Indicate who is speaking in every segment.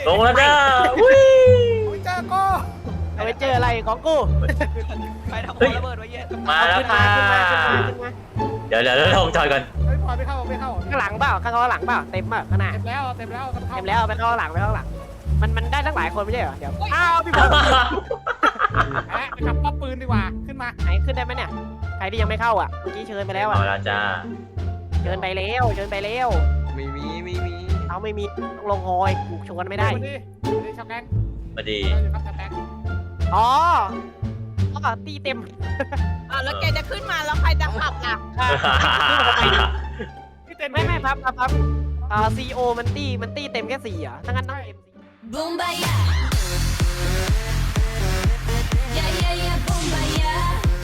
Speaker 1: ลงแล้วจ้าวิ่ง
Speaker 2: เจอกู
Speaker 3: เอาไปเจออะไรของกู
Speaker 4: ใครทำระเบิดไว้เยอะ
Speaker 1: มาแล้วค่ะเดี๋ยวลงจอยก่อน
Speaker 2: ไม่พอไม่เข้าไม่เข้า
Speaker 3: ข้างหลังเปล่าข้างหลังเปล่าเต็มเปล่าข้างหน้า
Speaker 2: เต็มแล้วเต็มแล้ว
Speaker 3: เต็มแล้วไปข้างหลังไปข้างหลังมันได้ทั้งหลายคนไม่ใช่เหรอเดี๋ยวอ้าวพี่บอล
Speaker 2: ไปขับป้อมปืนดีกว่าขึ้นมา
Speaker 3: ไหนขึ้นได้ไหมเนี่ยใครที่ยังไม่เข้าอ่ะเมื่อกี้เชิญไปแล้วอ่ะ
Speaker 1: มาแล้วจ้า
Speaker 3: เชิญไปแล้วเชิญไปแล้ว
Speaker 4: ไม่มี
Speaker 3: เอาไม่มีต้องลงฮอยกูชวนไม่ได้
Speaker 2: ดีชาวแก๊ง
Speaker 1: มาดี
Speaker 2: อยู่ครับชาวแก๊ง
Speaker 3: อ๋อก็ตีเต็ม
Speaker 5: แล้วแกจะขึ้นมาแล้วใครจะขับล่ะ
Speaker 2: พี่เต็ม
Speaker 3: ไม่พับซีโอมันตีเต็มแค่4อ่ะถ้างั้นต้องเอ็ม
Speaker 6: Bomba ya. Ya ya ya bomba ya.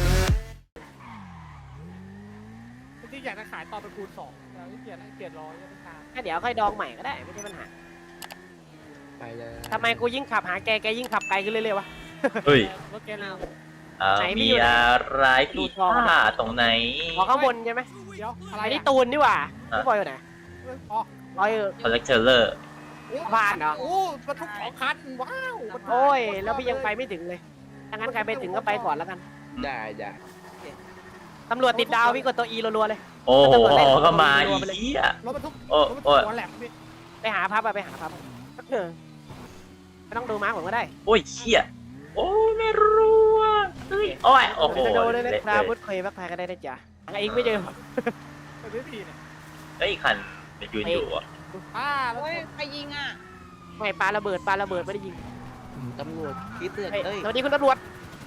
Speaker 2: ที่อยากจะขายต่อเป็นคูณ2แต่เกลียดร้อยยังไม่ตาม
Speaker 3: ก็เดี๋ยวค่อยดองใหม่ก็ได้ไม่ใช่ปัญหา
Speaker 4: ไปเลย
Speaker 3: ทำไมกูยิ่งขับหาแกยิ่งขับไกลขึ้นเรื่อยๆวะ
Speaker 1: เฮ้ย
Speaker 2: รถแกเรา
Speaker 1: มีอะไรผิดพลาดตรงไหน
Speaker 3: ขอข้างบนใช่ไหม
Speaker 2: เดี๋ยวอะไร
Speaker 3: ไอ้นี่ตูนนี่หว่าพี่บอยอยู่ไหน
Speaker 2: อ๋อ
Speaker 3: บอย
Speaker 1: คอลเลกเตอร์
Speaker 3: ผ่านเหรอ
Speaker 2: โอ้บรรทุก2 คันว้าว
Speaker 3: โอ้ยแล้วพี่ยังไปไม่ถึงเลยถ้างั้นใครไปถึงก็ไปก่อนแล้วกัน
Speaker 4: ได้
Speaker 3: ตำรวจติดดาวพี่กดตัว E รัวๆเลย
Speaker 1: โอ้โหก็มาอีกอ่ะ
Speaker 2: รถบรรทุก
Speaker 1: โอ้
Speaker 2: รถบรร
Speaker 1: โอ้
Speaker 2: ทุกหัวแหลมพี่
Speaker 3: ไปหาพับไปหาพับไม่ต้องดูม้าผมก็ได้
Speaker 1: โอ้ยเชี่ยโอ้ไม่รู้อ่ะเฮ้ยโอ้ยโอ้โห
Speaker 3: จะดูเลยนะ
Speaker 1: เละ
Speaker 3: ครา
Speaker 1: เลย
Speaker 3: บุตเคยพักไทยก็ได้นะจ๊ะเองไม่เจอ
Speaker 2: ไปพี่พี่เนี่ย
Speaker 1: เฮ้ยคันมันยืนอยู่อ่ะ
Speaker 2: แล้ว
Speaker 5: โอ้ยใครยิงอ่ะ
Speaker 3: ไม่ปาระเบิดไม่ได้ยิง
Speaker 4: ตำรวจคิดเตือน
Speaker 3: เฮ้ย
Speaker 4: เอ้ย
Speaker 3: สวัสดีคุณตำรวจ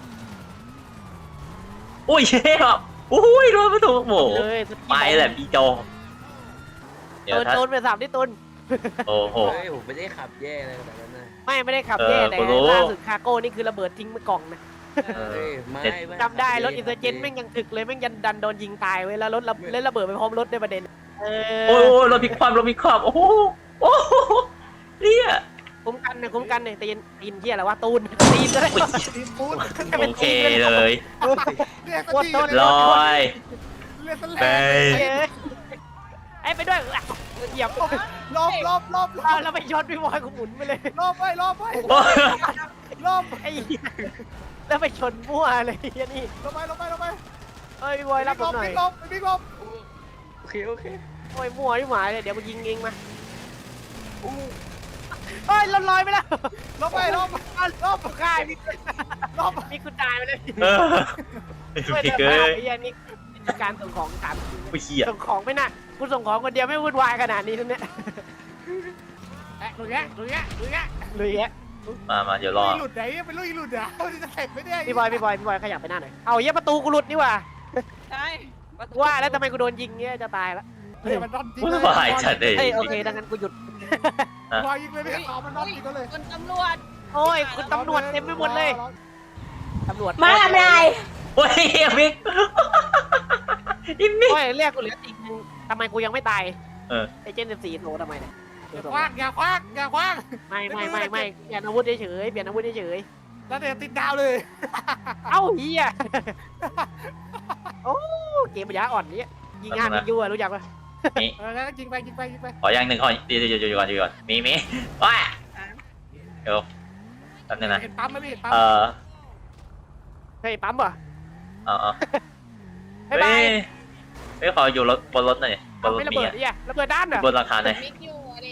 Speaker 1: โอ้ยเชี่ยโอ้ยรถบรรทุกโอ้โห
Speaker 3: เลย
Speaker 1: ไปแหละพี่โจเดี๋ยวถ้า
Speaker 3: ตูนไปสามที่ตูน
Speaker 1: โอ้โห
Speaker 4: เฮ้ยผมไม่ได้ขับแย่อะไรขนาดนั้นนะ
Speaker 3: ไม่ได้ขับแย่แต่
Speaker 1: กูรู้
Speaker 3: ล่าสุดคาโก้นี่คือระเบิดทิ้งไปกล่องนะ
Speaker 4: เฮ้ยไม่
Speaker 3: จำได้รถอินเตอร์เจนแม่งยังถึกเลยแม่งยันดันโดนยิงตายไว้แล้วรถเล่นระเบิดไปพร้อมรถในประเด็น
Speaker 1: โอ้ยรถพลิกคว่ำรถพลิกคว่ำโอ้โหโอ้โหเนี่ย
Speaker 3: คุ้มกันเนี่ยตีนเที่ยอะไรวะตูนตีนเลย
Speaker 2: ทีมปูน
Speaker 1: โอเคเลย
Speaker 2: เรียก
Speaker 3: โคตรต้น
Speaker 1: ลอย
Speaker 2: เรียกสแล
Speaker 1: ไป
Speaker 3: ไอ้ไปด้วยเหยียบ
Speaker 2: ลบ
Speaker 3: แล้วไปช็อตพี่บอยกูหมุนไปเลย
Speaker 2: ลบไป
Speaker 1: โอ้ย
Speaker 2: ลบ
Speaker 3: ไอ้แล้วไปชนมั่วเลยนี่
Speaker 2: ลบไป
Speaker 3: เอ้ยพี่บอยรับผมหน่อย
Speaker 2: บิ๊กลบ
Speaker 4: โอเค
Speaker 3: โอ้ยมั่วที่หมายเลยเดี๋ยวกูยิงเองมาเฮ้ยลอยไปแล้ว
Speaker 2: ลบ
Speaker 3: ค่ายมี
Speaker 2: ลบ
Speaker 3: มีคุณตายไปเลย
Speaker 1: เออ
Speaker 3: ช่วย
Speaker 1: พี่
Speaker 3: เดิน
Speaker 1: เก
Speaker 3: มา
Speaker 1: ย
Speaker 3: ไอ้ยันนี่การส่งของถามจริง
Speaker 1: ผู้เชี่ย
Speaker 3: ส่งของไม่น่ะคุณส่งของคนเดียวไม่วุ่นวายขนาดนี้ทุกเนี่ย
Speaker 2: ลุยแก
Speaker 3: ลุยแยะ
Speaker 1: มาเดี๋ยวรอ
Speaker 2: หลุดไหนเป็นลุยหลุดอ่ะจะเสร็จไม่ได้
Speaker 3: พี่บอยขยับไปหน้าหน่อยเอาเยี่ยประตูกูหลุดนี่ว่า
Speaker 5: ใช่
Speaker 3: ว่าแล้วทำไมกูโดนยิงเนี่ยจะตายแล้ว
Speaker 2: มันนอนจริง
Speaker 1: ไม่ไหวจัดเลย
Speaker 3: เฮ้ยโอเคดังนั้นกูหยุด
Speaker 2: พอยิงเลยพี่เขามันนอนจริงก็เลย
Speaker 5: คุณตำรวจ
Speaker 3: โอ้ยคุณตำรวจเต็มไปหมดเลยตำรวจ
Speaker 6: มาทำอะไร
Speaker 1: โอ้ยมิกอิมิก
Speaker 3: โอ้ยเรียกกูเหลืออีกนึงทำไมกูยังไม่ตาย
Speaker 1: เออ
Speaker 3: ไอเจน14โทรทำไมเนี่ย
Speaker 2: อย่าคว้างอย่าคว้าง
Speaker 3: ไม่เปลี่ยนอาวุธเฉย
Speaker 2: แล้วเดี๋ยวติดดาวเลย
Speaker 3: เอ้าเฮียโอ้เกมปัญญาอ่อนนี้ยิงงานยิงยัวรู้จักปะ
Speaker 1: นี่
Speaker 2: แล้วยิงไป
Speaker 1: ขออย่างหนึ่งขอเดี๋ยวก่อนมีว้าเดี๋ยวแป๊บนึงนะ
Speaker 2: เห็นปั๊มไหมพี่เห็นปั๊ม
Speaker 3: เฮ้ยปั๊มป่ะ
Speaker 1: เฮ้ยขออยู่บนรถหน่อยบนรถ
Speaker 3: ไม่ระ
Speaker 1: มี
Speaker 3: เบิด
Speaker 1: อ่ะ
Speaker 3: เนี่ยระเบิดด้านเหรอบ
Speaker 1: นราคาหน่อย
Speaker 5: มิกอยู่อะดิ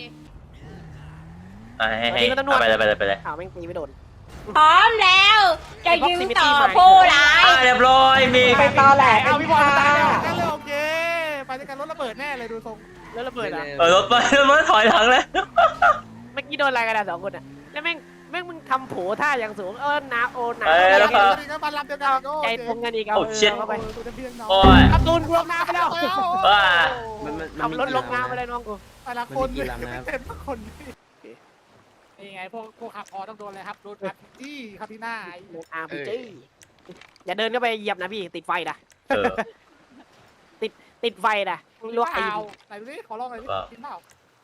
Speaker 1: ให้ไปเลย
Speaker 3: อ้าวแม่งตีไม่โดน
Speaker 6: พร้อมแล้ว จะยิงต่อผู้ร้าย
Speaker 1: เรียบร้อยมี
Speaker 6: ไปตอแหล
Speaker 3: เอาพี่บอลตายแล้ว
Speaker 2: กันเลยโอเคไปด้วยกันรถระเบิดแน่เลยดูทรง
Speaker 3: แล้วระเบิดอ่ะ
Speaker 1: รถไปรถถอยหลังเลย
Speaker 3: เมื่อกี้โดนอะไรกันอ่ะ2 คนอ่ะแล้วแม่งมึงทำโผท่าอย่างสูงนาโอนา
Speaker 2: แล้วก็มารับเดียวกันก็
Speaker 3: ใจตรงกันอีกเอาเข้าไป
Speaker 2: ตัวเพียงน้อง
Speaker 1: โอ้ย
Speaker 3: เอาตูนกูลงน้ำไปแล้ว
Speaker 1: ว้า
Speaker 3: ขับรถลงน้ำไปเลยน้องกู
Speaker 2: แต่ละคนเต็มทุกคนนี่ไงพวกขับพอต้องโดนเลยครับโดนอัดจี้ครับที่หน้า
Speaker 3: RPG อย่าเดินเข้าไปเหยียบนะพี่ติดไฟนะ
Speaker 1: เออ
Speaker 3: ติดไฟนะลวกตีน
Speaker 2: ไหนดูดิขอลองหน่อยดิกินเปล่า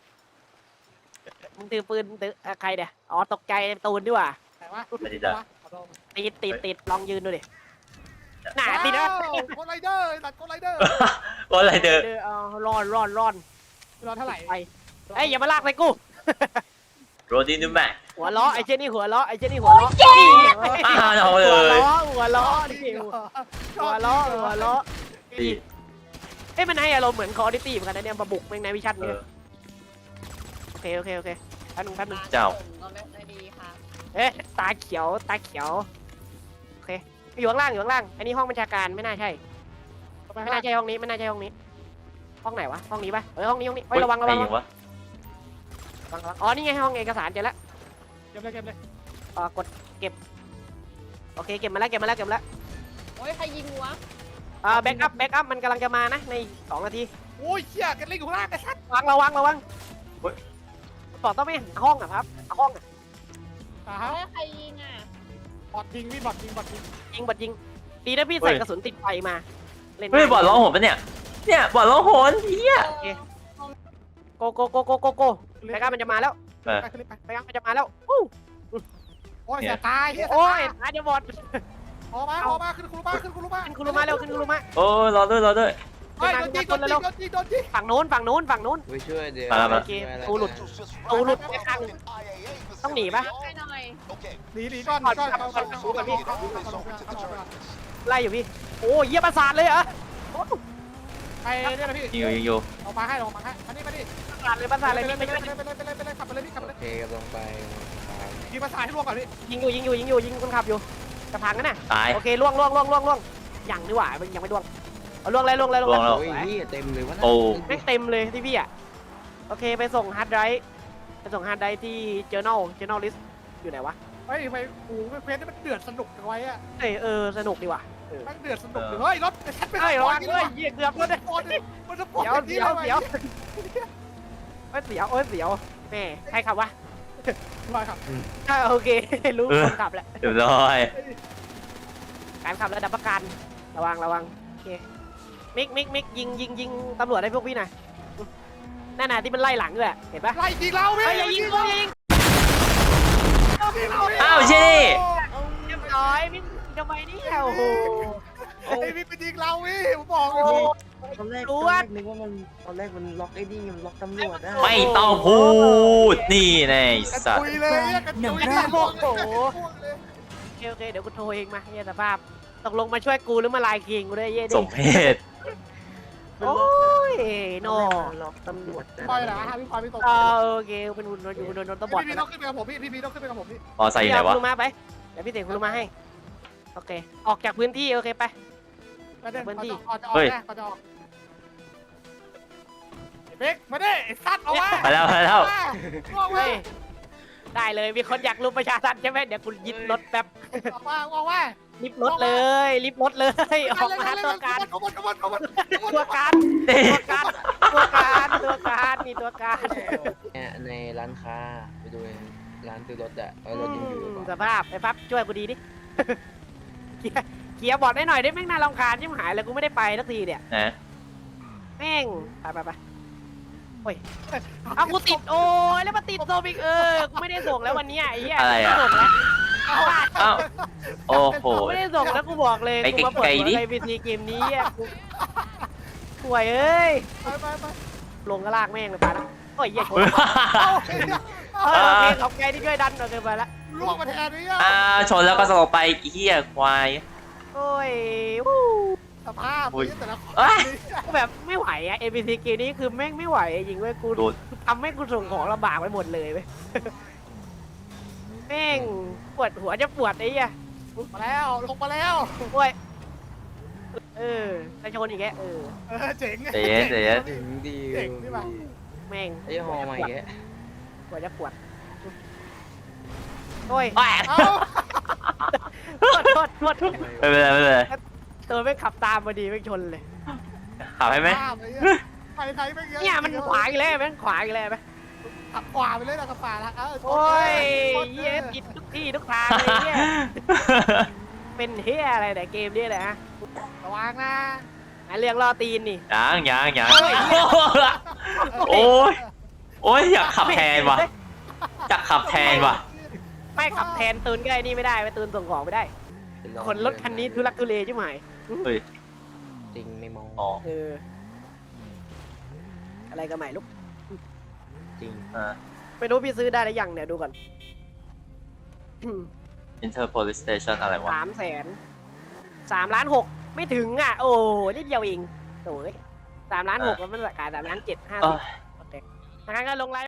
Speaker 3: มึงถือปืนถือใครเนี่ยอ๋อตกใจตูนดีกว่า
Speaker 2: ไหนวะ
Speaker 3: ติดลองยืนดูดิหนาติดนะ
Speaker 2: โกไรเดอร์ตัดโกไรเดอร์
Speaker 1: อะไรเด้อ
Speaker 3: ร้อน
Speaker 2: รอเท่าไหร่
Speaker 3: ไปเอ้ยอย่ามาลากไปกู
Speaker 1: โรดินดูแม่
Speaker 3: หัวล้อไอ้เจนี่หัวล้อไอ้เจนี่หัวล้อนี่
Speaker 1: อ้าวเอาเลย
Speaker 3: หัวล้อนี่หัวล้อ
Speaker 1: ดี
Speaker 3: เอ้มันให้อารมณ์เหมือนคอร์ดิตี้เหมือนกันนะเนี่ยมาบุกแม่งในวิชั่น
Speaker 1: เอ
Speaker 3: เนี่ย
Speaker 1: อ
Speaker 3: โอเคแป๊บนึง
Speaker 1: เจ้า
Speaker 5: ก็ไม่ค่อยดีค่ะ
Speaker 3: เอ๊ะตาเขียวโอเคอยู่ข้างล่างอันนี้ห้องบัญชาการไม่น่าใช่ไม่น่าใช่ห้องนี้ห้องไหนวะห้องนี้ปะห้องนี้เฮ้ยระวัง
Speaker 1: ไอ้ยังวะ
Speaker 3: อ๋อนี่ไงห้องเอกสารเจอแล้ว
Speaker 2: เก็บเลย
Speaker 3: กดเก็บโอเคเก็บมาแล้ว
Speaker 5: โอ้ยใครยิงวะ
Speaker 3: แบ็กอัพมันกำลังจะมานะใน2 นาที
Speaker 2: โอ้ยเชี่ยกันเล่นอยู่ข้างล่างไอ้สัตว์
Speaker 3: ระวังบอกต้องไม่หาห้องอะครับห้องอะ
Speaker 2: ฮะ
Speaker 5: เฮ้ยใครยิงอ่ะ
Speaker 2: บอดยิงพี่บอดยิง
Speaker 3: ยิงบัดยิงดีนะพี่ใส่กระสุนติดไฟมาเล่น
Speaker 1: เฮ้ยบอดร้องโหนปะเนี่ยบอดร้องโหนเฮีย
Speaker 3: โกแบ็กอัพมันจะมาแล้ว
Speaker 1: เออ
Speaker 2: ไปขึ้นไป
Speaker 3: แบ็กอัพมันจะมาแล้ว
Speaker 2: โอ้ยเสียตาย
Speaker 3: โอ้ยอาจจะบอด
Speaker 2: ออกมาขึ้นคุรุมา
Speaker 3: ขึ้นคุรุมาเร็วขึ้นคุรุมา
Speaker 1: โอ้รอด้วย
Speaker 2: โดนยิง
Speaker 3: ฝั่งนู้น
Speaker 4: ไปช่วยเดี๋ยว
Speaker 1: มา
Speaker 3: โอเคตูหลุดไปข้างต้องหนีปะ
Speaker 5: ให้หน่อย
Speaker 2: หนีก่อน
Speaker 3: ไล่อยู่พี่โอ้ยเยี่ยประสาทเลยเหรอ
Speaker 2: ไปเนี่ยนะพี่
Speaker 1: ยิงอยู่
Speaker 2: ออกมาให้มานี่
Speaker 3: ประสาทเลยพี่
Speaker 2: ไปเลยขับไปเลยพี่ขับไป
Speaker 4: โอ
Speaker 2: เลย
Speaker 4: เคกำลังไป
Speaker 2: ยิงภาษาให้ล่วงก่อนพี่
Speaker 3: ยิงคนขับอยู่กระพังกันน่ะ
Speaker 1: ตาย
Speaker 3: โอเคล่วงยังดีกว่ายังไม่ล่วงเอาล่วงเลย
Speaker 1: ล่วงแล้ว
Speaker 4: โอ้ยนี่เต็มเลยวะ
Speaker 1: โอ้
Speaker 3: ไม่เต็มเลยที่พี่อ่ะโอเคไปส่งฮาร์ดไดรฟ์ที่ journal list อยู่ไหนวะ
Speaker 2: เฮ้ยไปโอ้โหเพลงนี่มันเดือดสนุกไว้อะ
Speaker 3: สนุกดีว่ะ
Speaker 2: มันเดือดสนุกเฮ้ยรถชัดไป
Speaker 3: เฮ้ยระวังเฮ้ยเยี่ยเกือบ
Speaker 2: มั
Speaker 3: แล้
Speaker 2: น
Speaker 3: ว
Speaker 2: จะ
Speaker 3: เนี่ย
Speaker 2: ปวดมันจะปวด
Speaker 3: เสียวแม่ใครขับวะ
Speaker 2: มาครับ
Speaker 3: โอเครู้คนขับแหละ
Speaker 1: เรียบร้อย
Speaker 3: การขับระดับประกันระวังโอเคมิกยิงตำรวจให้พวกพี่หน่อยนั่นน่ะที่มันไล่หลังด้วยเห็นปะ
Speaker 2: ไล่ยิงเราพี่
Speaker 3: เฮ้ยอย่ายิง
Speaker 1: อ้าวเช่นี่
Speaker 3: เรียบร้อยมิกทำไมเนี่ยโอ้โห
Speaker 2: ไอ้พี่ไปยิงเราพี่ผมบอกเลย
Speaker 4: ตอนแรกนึกว่ามันตอนแรกมันล็อกไอ้นี่มันล็อกตำรวจได้
Speaker 1: ไม่ต้องพูดนี่แน่สัต
Speaker 2: คุ
Speaker 1: ว์
Speaker 2: ยเลยกันคุยเลย
Speaker 3: โอเคเดี๋ยวกูโทรเองมาเนี่ยสภาพตกลงมาช่วยกูหรือมาลายคิงกูด้วยเย่ดิ
Speaker 1: สมเพศ
Speaker 3: โอ้ยโน
Speaker 4: ล็อกตำรวจ
Speaker 2: ปล่อยเหรอฮะพี่ปล่อยพี่ตก
Speaker 3: โอเคเป็นหุ่นอยู่โดนตบอด
Speaker 2: พี่ต้องขึ้นไปกับผมพี่ต้องขึ้นไปกับผมพี่
Speaker 1: มอไซค์อยู่ไหนวะ
Speaker 3: คุรุมาไปเดี๋ยวพี่เสกคุรุมาให้โอเคออกจากพื้นที่โอเคไป
Speaker 2: มาเด้เขาจะออกเขาจะออกเบกมาดิสัตว์เอาไว้
Speaker 1: ไปแล้ว
Speaker 2: เอาไว้
Speaker 3: เฮ้ยได้เลยมีคนอยากรุมประชาทันใช่ไหมเดี๋ยวกูยึดรถแป๊บ
Speaker 2: เอาไว้
Speaker 3: รีบรถเลยออกมาตัวการมีตัวการมีตัวการ
Speaker 4: ในร้านค้าไปดูร้านซื้อรถอะรถยังอยู่
Speaker 3: สภาพไอ้ปั๊บช่วยกูดีดิเกียร์บอดได้หน่อยได้แม่งน่ารำคาญยิ่งหายเลยกูไม่ได้ไปสักทีเนี่ย
Speaker 1: นะ
Speaker 3: แม่งไปโอ้ยเอากูติดโอ้ยแล้วมาติดโซบิกกูไม่ได้ส่งแล้ววันนี้ไอ้เหี้ยไม่ส่งแล้ว
Speaker 1: อ้าวโอ้โห
Speaker 3: ไม่ได้ส่งแล้วกูบอกเลย
Speaker 1: ไป
Speaker 3: กูมาเปิด
Speaker 1: ไกลๆดิ
Speaker 3: ในพีซีเกมนี้อ่ะป่วยเอ้ย
Speaker 2: ไป
Speaker 3: ลงก็ลากแม่งเลยไปละโอ้ยเหี้ยชนโอเคขอบใจที่ช่วยดันโอเคไปละ
Speaker 2: ล่วงมาแทนนี่
Speaker 1: ชนแล้วก็สลบไปเฮียควาย
Speaker 3: โอ้ย
Speaker 2: สภาพแต่ละคน
Speaker 3: แบบไม่ไหวอ่ะ NPC เกมนี้คือแม่งไม่ไหวจริงเว้ยกูทำให้กูส่งของลำบากไปหมดเลยเว้ยแม่งปวดหัวจะปวดไอ้เหี้ย
Speaker 2: มาแล้วลงมาแล้ว
Speaker 3: โอ้ยจะชนอีกแก
Speaker 2: เจ๋ง
Speaker 1: เจ๊
Speaker 4: ถึงดี
Speaker 3: แม่ง
Speaker 4: ไอ้หอใหม่แก
Speaker 3: ปวดจะปวดโอ้ย
Speaker 1: แหว
Speaker 3: โทษ
Speaker 1: ไม่เป็นไร
Speaker 3: ตัวไม่ขับตามมาดีไม่ชนเลย
Speaker 1: ขับให้ไหม
Speaker 2: ไปไทยไม่เยอะ
Speaker 3: เนี่ยมันขวาอีกแล้วแม่งขวาอีกแล้วไหม
Speaker 2: ขับขวาไปเลยนะขับขวาละ
Speaker 3: โอ้ยเย้ติดทุกที่ทุกทางเลยเนี่ยเป็นเฮียอะไรแต่เกมนี้แหละฮะ
Speaker 2: ระวังนะ
Speaker 3: เรื่องล่อตีนนี่
Speaker 1: ยังโอ้ยอยากขับแทนว่ะ
Speaker 3: ไม่ขับแทนตูนก็ไอ้นี่ไม่ได้ไปตูนส่งของไม่ได้คนรถคันนี้ทุลักทุเลใช่ไหม
Speaker 4: จริงไม่มอง
Speaker 1: อ๋อ
Speaker 3: อะไรกันใหม่ลูก
Speaker 4: จริง
Speaker 3: ไม่รู้พี่ซื้อได้หรือยังเนี่ยดูก่อน
Speaker 1: Inter Police Station อะไรวะ
Speaker 3: 300,000 3,600,000ไม่ถึงอ่ะโอ้นิดเดียวเองโอ้ย3,600,000แล้วมันราคา3,750,000 50โอเคงั้นก็ลงไลน์